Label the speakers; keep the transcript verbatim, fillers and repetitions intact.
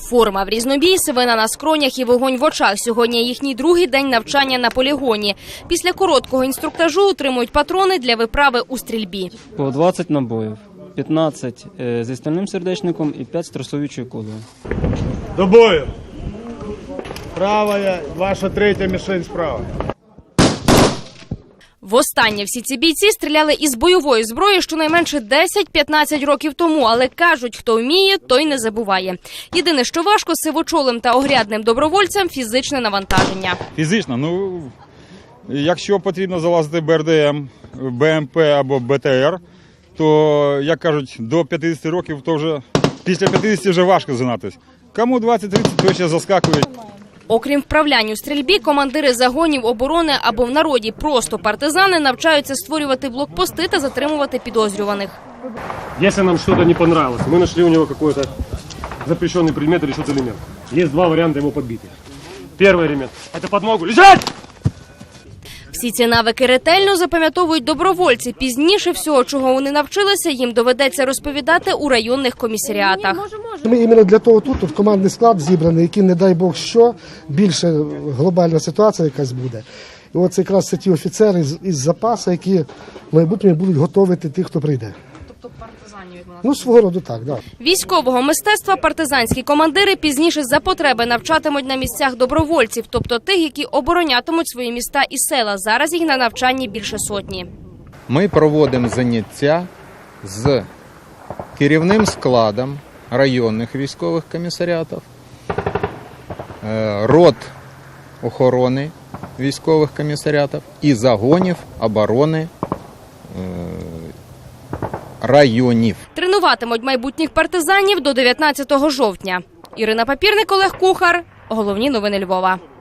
Speaker 1: Форма в різнобій, сивина на скронях і вогонь в очах. Сьогодні їхній другий день навчання на полігоні. Після короткого інструктажу отримують патрони для виправи у стрільбі.
Speaker 2: По двадцять набоїв, п'ятнадцять зі стальним сердечником і п'ять з тросовічою кулею.
Speaker 3: До бою! Правая, ваша третя мішень справа.
Speaker 1: Востаннє всі ці бійці стріляли із бойової зброї щонайменше десять-п'ятнадцять років тому, але кажуть, хто вміє, той не забуває. Єдине, що важко сивочолим та огрядним добровольцям – фізичне навантаження.
Speaker 4: Фізично, ну, якщо потрібно залазити Б Р Д М, Б М П або Б Т Р, то, як кажуть, до п'ятдесяти років, то вже після п'ятдесяти вже важко згинатись. Кому двадцять-тридцять, то ще заскакують.
Speaker 1: Окрім вправлянь у стрільбі, командири загонів оборони або в народі просто партизани навчаються створювати блокпости та затримувати підозрюваних.
Speaker 5: Если нам что-то не понравилось, мы нашли у него какой-то запрещенный предмет или что-то элемент. Есть два варианта его подбития. Первый элемент – это подмогу. Лежать!
Speaker 1: Всі ці навики ретельно запам'ятовують добровольці. Пізніше всього, чого вони навчилися, їм доведеться розповідати у районних комісаріатах.
Speaker 6: Ми іменно для того тут, тут командний склад зібраний, який, не дай Бог що, більше глобальна ситуація якась буде. І от це якраз це ті офіцери із, із запасу, які в майбутньому будуть готувати тих, хто прийде. Тобто партизанів, як Ну, свого роду так, так. Да.
Speaker 1: Військового мистецтва партизанські командири пізніше за потреби навчатимуть на місцях добровольців, тобто тих, які оборонятимуть свої міста і села. Зараз їх на навчанні більше сотні.
Speaker 7: Ми проводимо заняття з керівним складом районних військових комісаріатів, рот охорони військових комісаріатів і загонів оборони районів.
Speaker 1: Тренуватимуть майбутніх партизанів до дев'ятнадцятого жовтня. Ірина Папірник, Олег Кухар. Головні новини Львова.